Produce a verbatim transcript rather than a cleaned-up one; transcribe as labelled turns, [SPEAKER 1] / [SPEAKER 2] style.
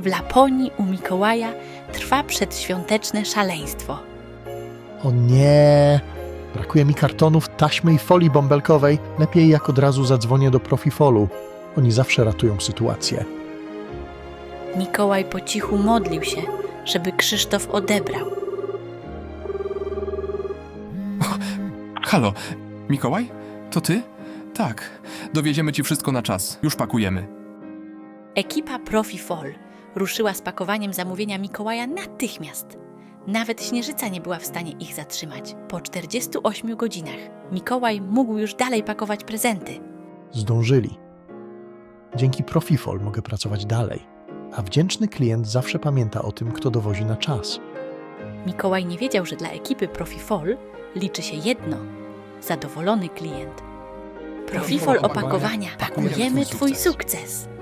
[SPEAKER 1] W Laponii u Mikołaja trwa przedświąteczne szaleństwo.
[SPEAKER 2] O nie! Brakuje mi kartonów, taśmy i folii bąbelkowej. Lepiej jak od razu zadzwonię do Profifolu. Oni zawsze ratują sytuację.
[SPEAKER 1] Mikołaj po cichu modlił się, żeby Krzysztof odebrał.
[SPEAKER 3] Halo, Mikołaj? To ty? Tak, dowieziemy ci wszystko na czas. Już pakujemy.
[SPEAKER 1] Ekipa Profifol ruszyła z pakowaniem zamówienia Mikołaja natychmiast. Nawet Śnieżyca nie była w stanie ich zatrzymać. Po czterdziestu ośmiu godzinach Mikołaj mógł już dalej pakować prezenty.
[SPEAKER 2] Zdążyli. Dzięki Profifol mogę pracować dalej. A wdzięczny klient zawsze pamięta o tym, kto dowozi na czas.
[SPEAKER 1] Mikołaj nie wiedział, że dla ekipy Profifol liczy się jedno – zadowolony klient. Profifol opakowania. Pakujemy Twój sukces.